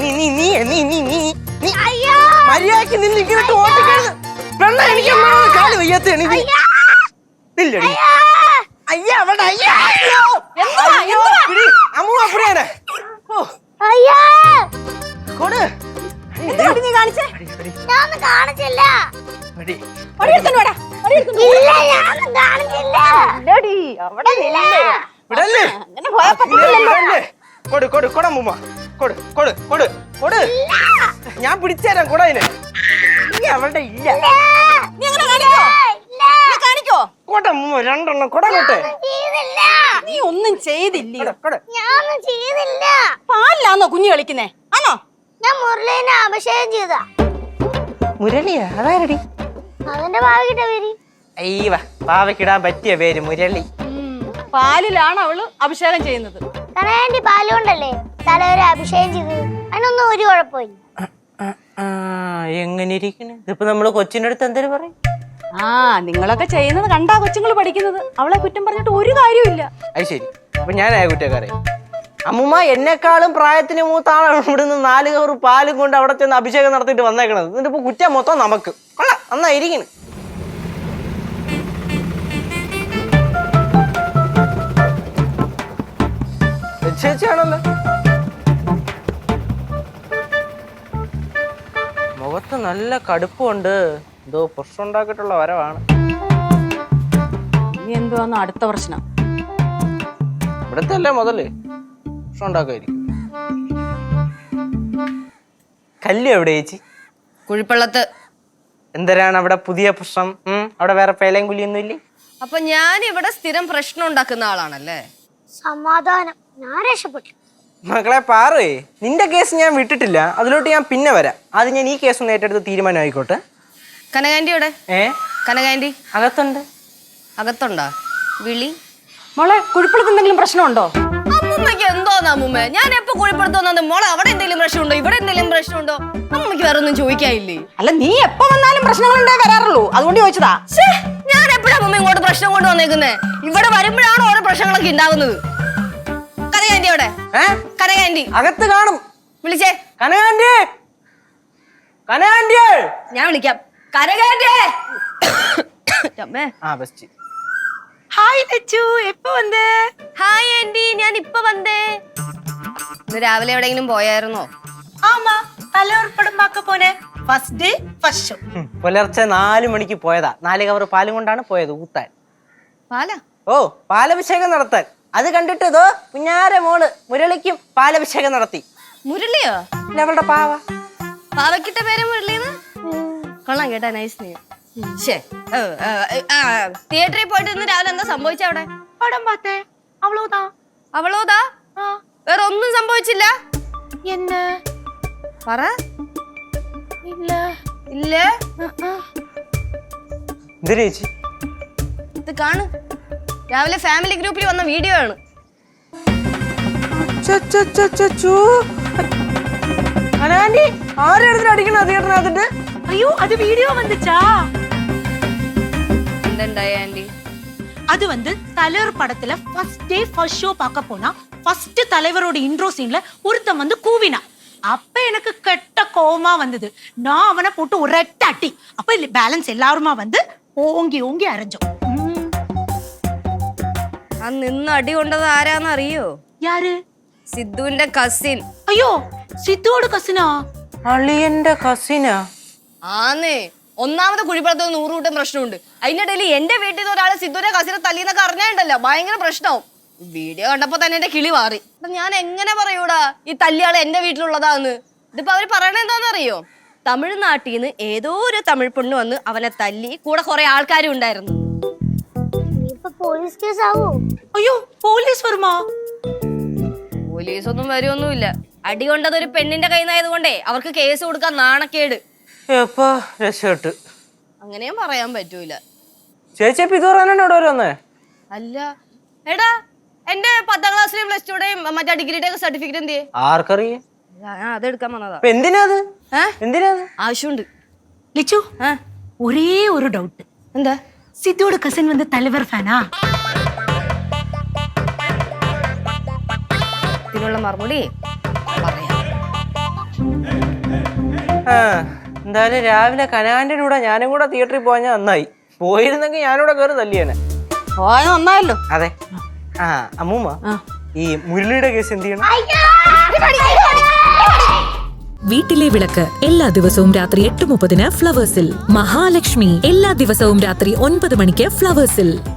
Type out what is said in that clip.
മര്യാദക്ക് നിന്നിട്ട് ഓട്ടിക്കരുത്. പെണ്ണ എനിക്ക് കാല് വയ്യാത്ത നില്ലടി. അയ്യ അവിടെ അമ്മ അപ്പടിയാണ്. നീ കാണിച്ചേ? ഞാൻ കാണിച്ചില്ല. ഞാൻ പിടിച്ചേരാം കൂടെ അതിന്. അവളുടെ ഇല്ല. രണ്ടെണ്ണം കൊടങ്ങോട്ടെ. നീ ഒന്നും ചെയ്തില്ല. പാലിലാന്നോ കുഞ്ഞു കളിക്കുന്നേ? ആണോ? ഞാൻ മുരളീനെ അഭിഷേകം ചെയ്ത. മുരളിയാ? അതാരടി? അവന്റെ ഭാവിക്കിട്ട പേര്. അയ്യവ, ഭാവിക്കിടാൻ പറ്റിയ പേര് മുരളി. പാലിലാണ് അവള് അഭിഷേകം ചെയ്യുന്നത്. കണയാണ്ടി പാലുകൊണ്ടല്ലേ തലവരെ അഭിഷേകം ചെയ്തത്. അതിനൊന്നും ഒരു കുഴപ്പമില്ല. എങ്ങനെ ഇരിക്കണ്? ഇതിപ്പോ നമ്മള് കൊച്ചിന്റെ അടുത്ത് എന്തൊരു പറയും? നിങ്ങളൊക്കെ ചെയ്യുന്നത് കണ്ടാ കൊച്ചുങ്ങൾ പഠിക്കുന്നത്. അവളെ കുറ്റം പറഞ്ഞിട്ട് ഒരു കാര്യമില്ല. അത് ശരി. അപ്പൊ ഞാനായ കുറ്റക്കാരെ. അമ്മുമ്മ എന്നെക്കാളും പ്രായത്തിന് മൂത്ത ആളാണ് ഇവിടുന്ന് 4 കവർ പാലും കൊണ്ട് അവിടെ ചെന്ന് അഭിഷേകം നടത്തിയിട്ട് വന്നേക്കണത്. എന്നിട്ട് ഇപ്പൊ കുറ്റം മൊത്തം നമുക്ക്. കൊള്ളാം, നന്നായിരിക്കണ്. ചേച്ചിയാണല്ലോ. മുഖത്ത് നല്ല കടുപ്പമുണ്ട്. എന്തോ പ്രശ്നം ഉണ്ടാക്കിയിട്ടുള്ള വരവാണ്. ഇനി എന്തുവാന്ന് അടുത്ത പ്രശ്നം? ഇവിടത്തെ അല്ലേ മുതല് പ്രശ്നം ഉണ്ടാക്കുമായിരിക്കും. കല്ല് എവിടെ ചേച്ചി? കുഴിപ്പള്ളത്ത്. എന്തരാണ് അവിടെ പുതിയ പ്രശ്നം? അവിടെ വേറെ പേലയും കുലിയൊന്നും ഇല്ലേ? അപ്പൊ ഞാൻ ഇവിടെ സ്ഥിരം പ്രശ്നം ഉണ്ടാക്കുന്ന ആളാണല്ലേ? സമാധാനം, ഞാൻ രക്ഷപ്പെട്ടു. മക്കളെ പാറേ, നിന്റെ കേസ് ഞാൻ വിട്ടിട്ടില്ല. അതിലോട്ട് ഞാൻ പിന്നെ വരാം. അത് ഞാൻ ഈ കേസ് ഒന്ന് ഏറ്റെടുത്ത് തീരുമാനമായിക്കോട്ടെ. കനകാന്റിയുടെ കനകാന്റി അകത്തുണ്ട്. അകത്തുണ്ടോ? വിളി മോളെ. കുഴിപ്പള്ളത്ത് എന്തെങ്കിലും പ്രശ്നമുണ്ടോ? അമ്മൂമ്മക്ക് എന്തോന്ന് അമ്മൂമ്മ? ഞാൻ എപ്പോ കുഴിപ്പള്ളത്ത് വന്നത്? മോളെ അവിടെ എന്തെങ്കിലും പ്രശ്നമുണ്ടോ? ഇവിടെ എന്തെങ്കിലും പ്രശ്നമുണ്ടോ? അമ്മൂമ്മക്ക് വേറെ ഒന്നും ചോദിക്കാനില്ലേ? അല്ല, നീ എപ്പോ വന്നാലും പ്രശ്നങ്ങളുണ്ടേ വരാറുള്ളൂ. അതുകൊണ്ട് ചോദിച്ചതാ. ഞാൻ എപ്പോഴാ അമ്മൂമ്മ ഇങ്ങോട്ട് പ്രശ്നം കൊണ്ട് വന്നേക്കുന്നേ? ഇവിടെ വരുമ്പോഴാണ് ഓരോ പ്രശ്നങ്ങളൊക്കെ ഉണ്ടാവുന്നത്. കനകാന്റി അവിടെ? കനകാന്റി അകത്ത് കാണും. വിളിച്ചേ. കനകാന്റി, കനകാന്റി. ഞാൻ വിളിക്കാം. കനകാന്റി. ഹായ് ലച്ചു, എപ്പോ വന്നേ? ഹായ് ആന്റി, ഞാൻ ഇപ്പൊ വന്നേ. ഇന്ന് രാവിലെ എവിടെയെങ്കിലും പോയായിരുന്നോ? ആമാ, തലയോർപ്പടം പാക്ക പോനെ. First day first show. പുലർച്ചെ 4 മണിക്ക് പോയതാ. 4 കവർ പാലും കൊണ്ടാണ് പോയത് ഊത്താൻ. പാലാ? ഓ, പാലഭിഷേകം നടത്താൻ. അത് കണ്ടിട്ട് ഇതോ കുഞ്ഞാര മോള് മുരളിക്കും പാലഭിഷേകം നടത്തി. മുരളിയോ? അവളുടെ പാവ. പാവക്കിട്ട പേര് മുരളിന്ന്? കൊള്ളാം കേട്ടാ, നൈസ് നെയിം. തിയേറ്ററിൽ പോയിട്ട് ഇന്ന് രാവിലെ എന്താ സംഭവിച്ച? അവിടെ പടം പാത്തേ. അവളോതാ. അവളോതാ? വേറെ ഒന്നും സംഭവിച്ചില്ല? എന്ന് പറ. ഇല്ല. ഇല്ല? ചേച്ചി ഇത് കാണു. രാവിലെ ഫാമിലി ഗ്രൂപ്പിൽ വന്ന വീഡിയോ ആണ്. അടിക്കണ? അയ്യോ, അത് വീഡിയോ வந்துச்சா? എന്തുണ്ടായി ആന്റി? அது தலைவர் படத்துல ஃபர்ஸ்ட் டே ஃபர்ஸ்ட் ஷோ பார்க்க போனா ஃபர்ஸ்ட் தலைவரோட இன்ட்ரோ சீன்ல ஒருத்தன் கூவினா. அப்ப எனக்கு கெட்ட கோவமா வந்தது. நான் அவனை போட்டு ஒரு அடி. அப்ப பேலன்ஸ் எல்லாருமா ஓங்கி ஓங்கி அரைஞ்சோம். നിന്ന് അടി കൊണ്ടത് ആരാന്ന് അറിയോ? யாரு? സിദ്ധുവിന്റെ കസിൻ. അയ്യോ, സിദ്ധുവോട് കസിനാ? അളിയന്റെ കസിനാ? ആന്നേ. ഒന്നാമത്തെ കുഴിപ്പള്ളത്ത് 100 കൂട്ടം പ്രശ്നമുണ്ട്. അതിനിടയിൽ എന്റെ വീട്ടിൽ നിന്ന് ഒരാളെ സിദ്ധുവിന്റെ കസിനെ തല്ലിന്നൊക്കെ അറിഞ്ഞാണ്ടല്ലോ ഭയങ്കര പ്രശ്നവും. വീഡിയോ കണ്ടപ്പോ തന്നെ എന്റെ കിളി മാറി. ഞാൻ എങ്ങനെ പറയൂടാ ഈ തല്ലിയാള് എന്റെ വീട്ടിലുള്ളതാന്ന്? ഇതിപ്പോ അവര് പറയണ എന്താണെന്നറിയോ? തമിഴ്നാട്ടിൽ നിന്ന് ഏതോ ഒരു തമിഴ് പെണ്ണ് വന്ന് അവനെ തല്ലി. കൂടെ കുറെ ആൾക്കാരും ഉണ്ടായിരുന്നു. പോലീസ് കേസ് ആവോ? അയ്യോ, പോലീസ് വരുമോ? പോലീസ് ഒന്നും വരുമൊന്നുമില്ല. അടി കൊണ്ടത് ഒരു പെണ്ണിന്റെ കയ്യിലായത് കൊണ്ടേ അവർക്ക് കേസ് കൊടുക്കാൻ നാണക്കേട്. രക്ഷപ്പെട്ട്. അങ്ങനെയും പറയാൻ പറ്റൂല. ചേച്ചി ഇത് പറയാനാണ് ഇവിടെ വന്നേ? അല്ല എടാ, എന്റെ 10ാം ക്ലാസ്സിലെയും പ്ലസ് ടുടെയും മറ്റേ ഡിഗ്രിയുടെ സർട്ടിഫിക്കറ്റ് എന്ത്? ആർക്കറിയാം? അതെടുക്കാൻ വന്നതാ. എന്തിനാത്? ആവശ്യമുണ്ട്. ലിച്ചു, ഒരേ ഒരു ഡൗട്ട്. എന്താ? സിദ്ധുവോട് കസിൻ തലവർ ഫാനാ? ഇതിനുള്ള മറുപടി പറയാം. ആ എന്തായാലും രാവിലെ കനാന്റെ കൂടെ ഞാനും കൂടെ തിയേറ്ററിൽ പോയാൽ നന്നായി. പോയിരുന്നെങ്കിൽ ഞാനിവിടെ കയറി തല്ലിയേനെ. പോയത് നന്നായല്ലോ. അതെ. ആ അമ്മൂമ്മ, ഈ മുരളിയുടെ കേസ് എന്ത് ചെയ്യണം? വീട്ടിലെ വിളക്ക് എല്ലാ ദിവസവും രാത്രി 8:30 ഫ്ലവേഴ്സിൽ. മഹാലക്ഷ്മി എല്ലാ ദിവസവും രാത്രി 9 മണിക്ക് ഫ്ലവേഴ്സിൽ.